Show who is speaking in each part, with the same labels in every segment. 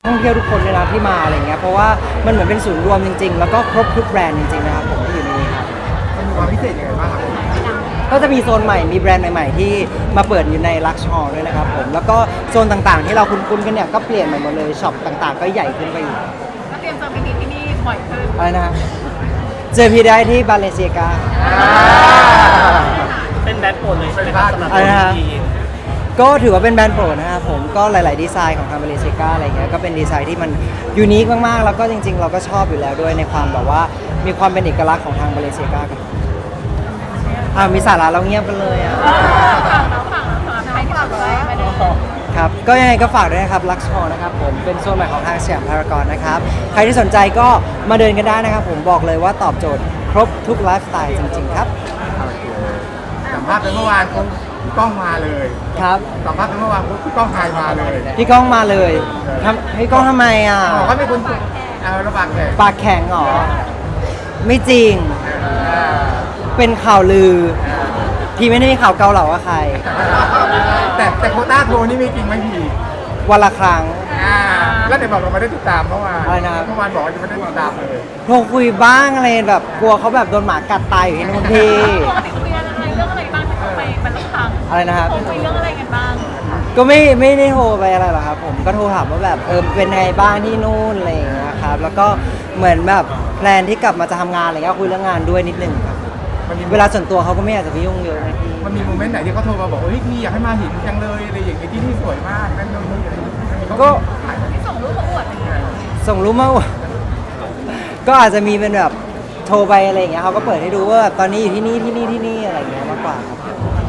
Speaker 1: ท่องเที่ยวทุกคนเลยนะที่มาอะไรเงี้ยเพราะว่ามันเหมือนเป็นศูนย์รวมจริงๆแล้วก็ครบทุกแบรนด์จริงๆนะครับผมที่อยู่ในนี้ครับ
Speaker 2: มันมีความพิเศษยังไงบ้างครับ
Speaker 1: ก็จะมีโซนใหม่มีแบรนด์ใหม่ๆที่มาเปิดอยู่ในลักชัวร์ด้วยนะครับผมแล้วก็โซนต่างๆที่เราคุ้นๆกันเนี่ยก็เปลี่ยนใหม่หมดเลยช็อปต่างๆก็ใหญ่ขึ้นไปอีก
Speaker 3: ก็เตรียมจะไปดีที่นี่บ่อยขึ้น
Speaker 1: อะไรนะเจอพี่ได้ที่บาเลเซียกา
Speaker 4: เป็นแบรนด์โปรดเลยใช่ไหมครับสำหรับ
Speaker 1: อะไรนะ
Speaker 4: พี่
Speaker 1: ก็ถือว่าเป็นแบรนด์โปรดนะครับผมก็หลายๆดีไซน์ของทางบาเลเซียกาอะไรเงี้ยก็เป็นดีไซน์ที่มันยูนิคมากๆแล้วก็จริงๆ เราก็ชอบอยู่แล้วด้วยในความแบบว่ามีความเป็นเอกลักษณ์ของทางบาเลเซียกากันมีสาระเราเงียบกันเลยอ่ะ
Speaker 3: ฝากให้ฝากเลยมาดู
Speaker 1: ครับก็ยังไงก็ฝากด้วยนะครับลักชัวร์นะครับผมเป็นโซนใหม่ของห้างสยามพารากอนนะครับใครที่สนใจก็มาเดินกันได้นะครับผมบอกเลยว่าตอบโจทย์ครบทุกไลฟ์สไตล์จริงๆครับ
Speaker 2: สัมภาษณ์ไปเมื่อวานพี่ก้องมาเลย
Speaker 1: ครับ
Speaker 2: สัมภาษณ์ไปเมื่อวานพี่ก้องไทยมาเลย
Speaker 1: พี่ก้องมาเลยพี่ก้องทำไมอ่ะ
Speaker 2: บอกว่าเป็นคนระบาดแขก
Speaker 1: ปากแข็งเหรอไม่จริงเป็นข่าวลือพี่ไม่ได้มีข่าวเกาเหลากับใคร
Speaker 2: แต่โควต้าโทรนี่มีจริงไหมพี่
Speaker 1: วันละครั้ง
Speaker 2: แล้วไหนบอกเราไม่ได้ติดตามเมื่อวาน
Speaker 1: อะไรนะ
Speaker 2: เมื่อวานบอกว่าจะไม่ได้ติดตามเลย
Speaker 1: โทรคุยบ้างอะไรแบบกลัวเขาแบบโดนหมากัดตายอยู่ที่นู่นพี่
Speaker 3: ปกติคุยอะไรเรื่องอะไรบ้างที่ไปมันต้องทำ
Speaker 1: อะไรนะครับ
Speaker 3: คุยเรื่องอะไรกันบ้าง
Speaker 1: ก็ไม่ได้โทรไปอะไรหรอกครับผมก็โทรถามว่าแบบเป็นไงบ้างที่นู่นอะไรอย่างเงี้ยครับแล้วก็เหมือนแบบแพลนที่กลับมาจะทำงานอะไรเงี้ยคุยเรื่องงานด้วยนิดนึงครับ
Speaker 2: มันมี
Speaker 1: เวลาส่วนตัวเขาก็ไม่อยากจะไปยุ่งเยอะนะพี่
Speaker 2: มันมีโมเมนต์ไหนที่เขาโทรมาบอกว่าเฮ้ยพี่อยากให้มาเห็นจังเลยอะไรอย่างเงี้ยที่นี่สวยมากนั่นนู่นนี่อะไรอย่างเงี้ย
Speaker 1: ก็
Speaker 3: ที่ส่งรูปมาอวดอะไรอย่างเงี้ย
Speaker 1: ส่งรูปมาอวดก็อาจจะมีเป็นแบบโทรไปอะไรอย่างเงี้ยเขาก็เปิดให้ดูว่าแบบตอนนี้อยู่ที่นี่อะไรอย่างเงี้ยมากกว่าครับ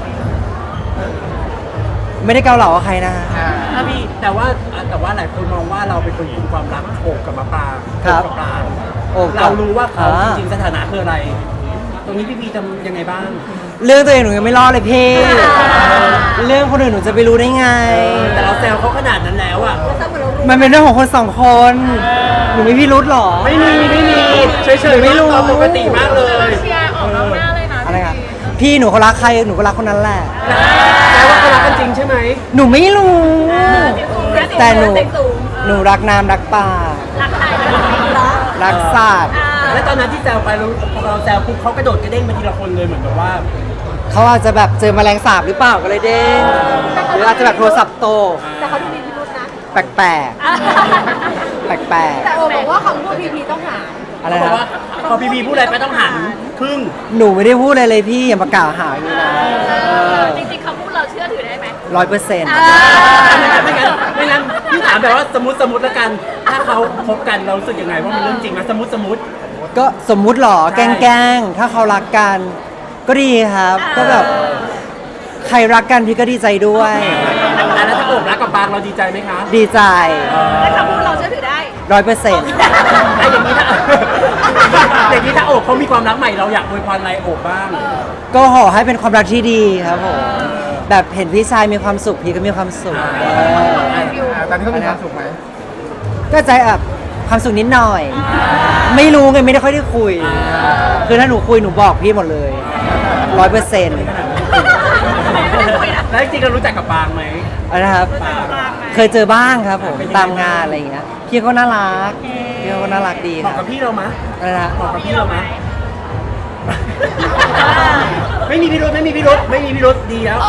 Speaker 1: ไม่ได้เกาเหลากับใครนะ
Speaker 4: ถ้าพี่แต่ว่าหลายคนมองว่าเราเป็นคนคุมความรักโอบกับมะปราง
Speaker 1: ครับ
Speaker 4: โอบกับปราง
Speaker 1: โอบกับ
Speaker 4: เรารู้ว่าเขา
Speaker 1: อ่า
Speaker 4: จริงๆสถานะคืออะไร ตรงนี้พี่พีทำยังไงบ้าง
Speaker 1: เรื่องตัวเองหนูยังไม่รอดเลยพี่เรื่องคนอื่นหนูจะไปรู้ได้ไง
Speaker 4: แต่เราแซวเขาขนาดนั้นแล้วอ่ะ
Speaker 1: มันเป็นเรื่องของคนสองคนหนูไม่พี่รุธหรอ
Speaker 4: ไม่มีเฉยๆ
Speaker 1: ไม่รู้
Speaker 4: เราปกติมากเลย
Speaker 3: เชียร์ออกนอกหน้าเลยนะ
Speaker 1: อะไรครับพี่หนูเขารักใครหนูก็รักคนนั้นแหละ
Speaker 4: แต่ว่าเขารักกันจริงใช่ไหม
Speaker 1: หนูไม่รู้ แต่หนู
Speaker 3: เต็มสูง
Speaker 1: หนูรักน้ำรักป่า
Speaker 3: รักใครเหรอ
Speaker 1: รักสัตว์
Speaker 4: แล้วตอนนั้นที่แซวไปเราพอเราแซวปุ๊บเขากระโดดกระเด้งมาทีละคนเลยเหมือนแบบว่า
Speaker 1: เขาอาจจะแบบเจอแมลงสาบหรือเปล่าก็เลยเด้งหรืออาจจะแบบโทรศัพท์โต
Speaker 3: แต่เขาดูมีพิรุธนะ
Speaker 1: แปลกแปลกๆแปลก
Speaker 3: แต่โอบอกว่าคำพูดพีพีต้องหา
Speaker 1: ๆอะไร
Speaker 4: เขาบอก
Speaker 1: นะ
Speaker 4: ว่าพอพีพีพูดอะไรไปต้องหันครึ่ง
Speaker 1: หนูไม่ได้พูดอะไรเลยพี่อย่ามากล่าวหาอย่างนี้นะ
Speaker 3: จริงๆคำพูดเราเชื่อถือได้ไหม
Speaker 1: 100%
Speaker 4: ไม่งั้นพี่ถามแบบว่าสมมติแล้วกัน ถ้าเขาคบกันเรารู้สึกยังไงว่ามันเรื่องจริงไหมสมมติ
Speaker 1: ก็สมมุติหรอ
Speaker 4: ใช่
Speaker 1: แกล้งๆถ้าเขารักกันก็ดีครับ ก็แบบใครรักกันพี่ก็ดีใจด้วย
Speaker 4: แล้วถ้าโอบรักกับบางเราดีใจไหมคะ
Speaker 1: ดีใจ
Speaker 3: แต่คำพูดเราเชื่อถือได้
Speaker 1: 100%
Speaker 4: ไอ้อย่างนี้ถ้าอย่างนี้ถ้าโอบเขามีความรักใหม่เราอยากอวยพรอะไรโอบบ้าง
Speaker 1: ก็ขอให้เป็นความรักที่ดีครับผมแบบเห็นพี่ชายมีความสุขพี่ก็มีความสุข
Speaker 2: ตอนนี้เขามีความสุขไหม
Speaker 1: ก็ใจแบบความสุขนิดหน่อย ไม่รู้ไงไม่ได้ค่อยได้คุย คือถ้าหนูคุยหนูบอกพี่หมดเลย100%
Speaker 4: แล้วจริงๆเรารู้จักกับบางไหม
Speaker 1: นะครับ เคยเจอบ้างครับผมตามงานอะไรอย่างเงี้ยพี่ก็น่ารักพี่ก็น่ารักดี
Speaker 4: เห
Speaker 1: ค
Speaker 4: มาะ
Speaker 1: รั
Speaker 4: กับบ พี่เรามะ
Speaker 1: อะไรนะ
Speaker 4: เหมาะกับพี่เรามะไม่มีพิรุธดีแล้ว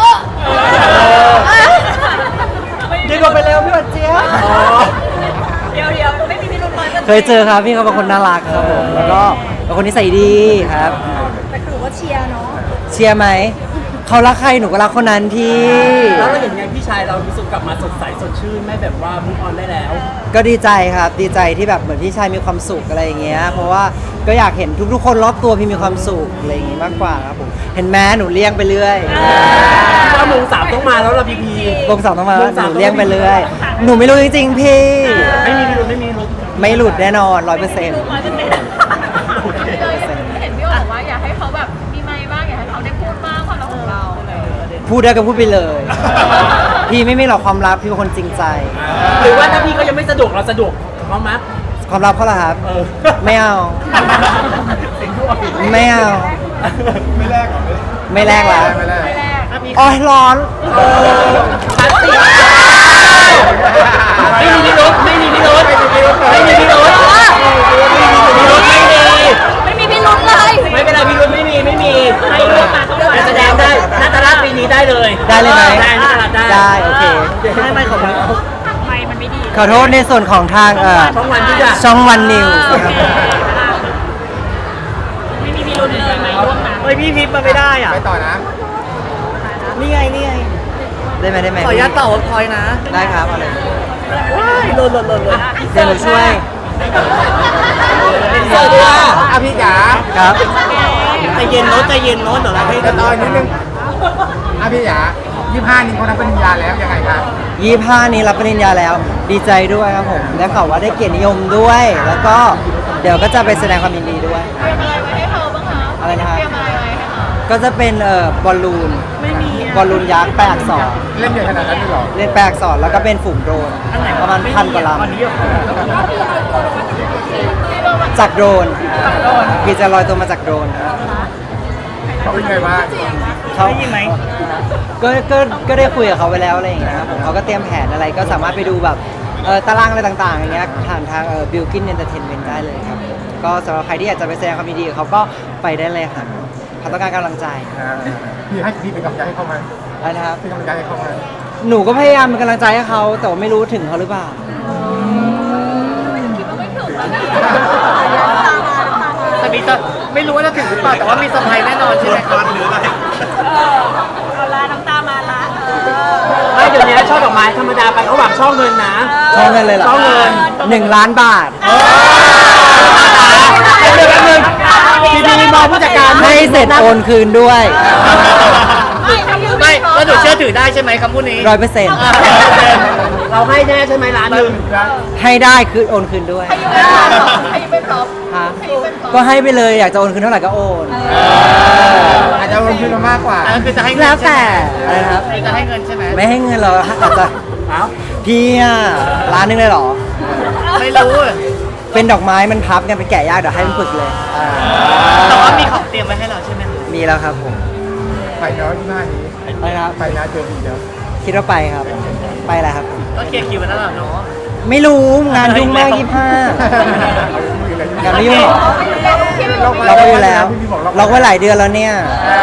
Speaker 1: ดีกว่าไปแล้วพี่วัดเจี๊ยบ
Speaker 3: เดี๋ยวไม่มีพิรุธเลย
Speaker 1: เคยเจอครับพี่เขาเป็นคนน่ารักครับผมแล้วก็เป็นคนนิสัยดีครับ
Speaker 3: แต่คือว่าเชียร์เนาะ
Speaker 1: เชียร์ไหมเขารักใครหนูก็รักคนนั้นพี่
Speaker 4: แล้วเราเห็นไงพี่ชายเรารู้สึกกลับมาสดใสสดชื่นไม่แบบว่ามุกออนได้แล้ว
Speaker 1: ก็ดีใจครับดีใจที่แบบเหมือนพี่ชายมีความสุขอะไรอย่างเงี้ยเพราะว่าก็อยากเห็นทุกๆคนรอบตัวพี่มีความสุขอะไรอย่างงี้มากกว่าครับผมเห็นแม้หนูเลี้ยงไปเรื่อย
Speaker 4: ว่าโมงสามต้องมาแล้วเราพีพี
Speaker 1: วงสองต้องมา
Speaker 4: วงสาม
Speaker 1: หนูเลี้ยงไปเรื่อยหนูไม่รู้จริงๆพี่
Speaker 4: ไม่มีพิรุธ
Speaker 1: ไม่หลุดแน่นอน 100%
Speaker 3: เห็นพี่โอบอกว่าอยากให้เขาแบบมีไมค์บ้างอยากให้เขาได้พูดบ้างความรักของเราอะไรอย่างเงี้ย
Speaker 1: พูดได้ก็พูดไปเลย พี่ไม่มีหรอกความลับพี่เป็นคนจริงใจ
Speaker 4: หรือว่าถ้าพี่เขายังไม่สะดวกเราสะดวกเขามั้ย
Speaker 1: ความลับเขาเหรอครับ
Speaker 4: เออ
Speaker 1: ไม่เอา ไม่เอา
Speaker 2: ไม่แลกหรอ
Speaker 1: ไม่แลกละ
Speaker 2: ไม่แลก
Speaker 3: ไม่แรก
Speaker 1: อ๋อร้อน
Speaker 4: ไม่มีพิรุธรุธไม่มีพิรุธไม่มีพิรุธ
Speaker 3: ไม่มีพิรุธเลย
Speaker 4: ไม่เป็นไรพิรุธไม่มีให้เลือกมาแต่แสดงได้นาตาลาปีนี้ได้เลย
Speaker 1: ได้เลยไหม
Speaker 4: ได้นาตาลาได้
Speaker 1: ได้โอเค
Speaker 4: ไม่ของมัน
Speaker 3: ไม่มันไม่ดี
Speaker 1: ขอโทษในส่วนของทาง
Speaker 4: ช่องวันที่จะ
Speaker 1: ช่องวันนิวส์
Speaker 3: ไม่มีพิรุธเลยไม่ร่วมนะ
Speaker 4: เฮ้ยพี่ทิพย์มาไม่ได้อ่ะ
Speaker 2: ไปต่อนะ
Speaker 4: นี่ไง
Speaker 1: ได้ไหม
Speaker 4: ขออนุญาตต่อพอยนะ
Speaker 1: ได้ครับเอาเลย
Speaker 4: หล่น
Speaker 1: เดี๋ยวหนูช่วย
Speaker 4: สวัสดีค่ะ
Speaker 2: พี่จ๋า
Speaker 1: ครับ
Speaker 4: ใจเย็นโน้ตเดี๋ยวเราให้
Speaker 2: จะต่อนิดนึงพี่จ๋า25นี้เขารับปริญญาแล้วยังไงครับ
Speaker 1: 25นี้รับปริญญาแล้วดีใจด้วยครับผมและข่าวว่าได้เกียรตินิยมด้วย แล้วก็เดี๋ยวก็จะไปแสดงความยินดีด้วย
Speaker 3: เตรียมอะไรไว้ให้เขาบ้างคะ
Speaker 1: อะไรนะครับ
Speaker 3: เตรียมอะไรไว้ให้เขา
Speaker 1: ก็จะเป็นบอลลูนบอลลูนยักษ์แปลอักษร
Speaker 2: เล่นใหญ่ขนาดนั้นเลยเหรอ
Speaker 1: เล่นแปลอักษรแล้วก็เป็นฝูงโดรนประมาณ1,000 กว่าลำจากโดรนพี่จะลอยตัวมาจากโดรนครับ
Speaker 2: เขาเป็นไงบ้าง
Speaker 1: เขาก็ได้คุยกับเขาไปแล้วอะไรอย่างเงี้ยครับผมเขาก็เตรียมแผนอะไรก็สามารถไปดูแบบตารางอะไรต่างๆอย่างเงี้ยผ่านทางบิลกินเอนเตอร์เทนเมนต์ได้เลยครับก็สำหรับใครที่อยากจะไปแสดงความยินดีกับเขาก็ไปได้เลยค่ะเขาต้องการกำลังใจ
Speaker 2: พี่เป็นกำลังใจให้เขาไหม
Speaker 1: อะไรนะครับ
Speaker 2: เป็นกำลังใจให้เขาไหม
Speaker 1: หนูก็พยายามเป็นกำลังใจให้เขาแต่ว่าไม่รู้ถึงเขาหรือเปล่า
Speaker 3: คิดว่าไม่ถึงแล้วนะ
Speaker 4: แต่มีไม่รู้ว่าจะถึงหรือเปล่าแต่ว่ามีเซอร์ไพรส์แน่นอนใช่ไหมครับ
Speaker 3: เอาละน้ำตามาละ
Speaker 4: ไม่เดี๋ยวนี้ช่อดอกไม้ธรรมดาไปเขาหวังช่อเงินนะ
Speaker 1: ช่องเงินเลยเหรอ
Speaker 4: ช่องเงิน
Speaker 1: 1 ล้านบาท
Speaker 4: เดี๋ยวแป๊บนึงดีๆมองผู้จัดการ
Speaker 1: ให้เสร็จโอนคืนด้วย
Speaker 4: ไม่ก็หนูเชื่อถือได้ใช่ไหมคำพูดนี้
Speaker 1: 100%
Speaker 4: เราให้แน่ใช่ไหมร้านหนึ่ง
Speaker 1: ให้ได้คือโอนคืนด้วย
Speaker 3: ให้เป็นพร้อม
Speaker 1: ฮะ
Speaker 3: ให้เป็นพร้อม
Speaker 1: ก็ให้ไปเลยอยากจะโอนคืนเท่าไหร่ก็โอน
Speaker 2: อาจจะลงทุนมามากกว่า
Speaker 4: ก็คือจะให้เงิ
Speaker 1: แล้ว
Speaker 4: นใช่
Speaker 1: แต่
Speaker 4: ไหม
Speaker 1: อะไรนะครับ
Speaker 4: จะให้เงินใช่ไหม
Speaker 1: ไม่ให้เงินเราอาจจะ
Speaker 4: เอ้า
Speaker 1: พี่อะร้านนึงเลยเหรอ
Speaker 4: ไม่รู้
Speaker 1: เป็นดอกไม้มันพับกันเป็นแกะยากเดี๋ยวให้มันฝึกเลยอ่า
Speaker 4: แต่ว่ามีของเตรียมไว้ให้เราใช่ไหม
Speaker 1: มีแล้วครับผม
Speaker 2: ไปเนาะ25นี้
Speaker 1: ไปนะครับ
Speaker 2: ไปนะเจอดีเนาะ
Speaker 1: คิดว่าไปครับ ไปแหละครับ
Speaker 4: ก็เคลียร์คิวไว้แล้วเหรอเนาะ
Speaker 1: ไม่รู้งานยุ่งมาก25งานไม่ยุ่งหรอเราก็อยู่แล้วเราก็หลายเดือนแล้วเนี่ย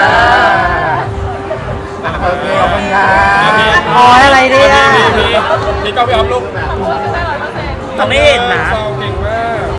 Speaker 2: โอเคขอบคุณครับ
Speaker 1: อ๋ออะไรเนี่ย
Speaker 5: นี่ก็ไปออฟลูก
Speaker 4: เราไม่เห็นนะ
Speaker 5: 2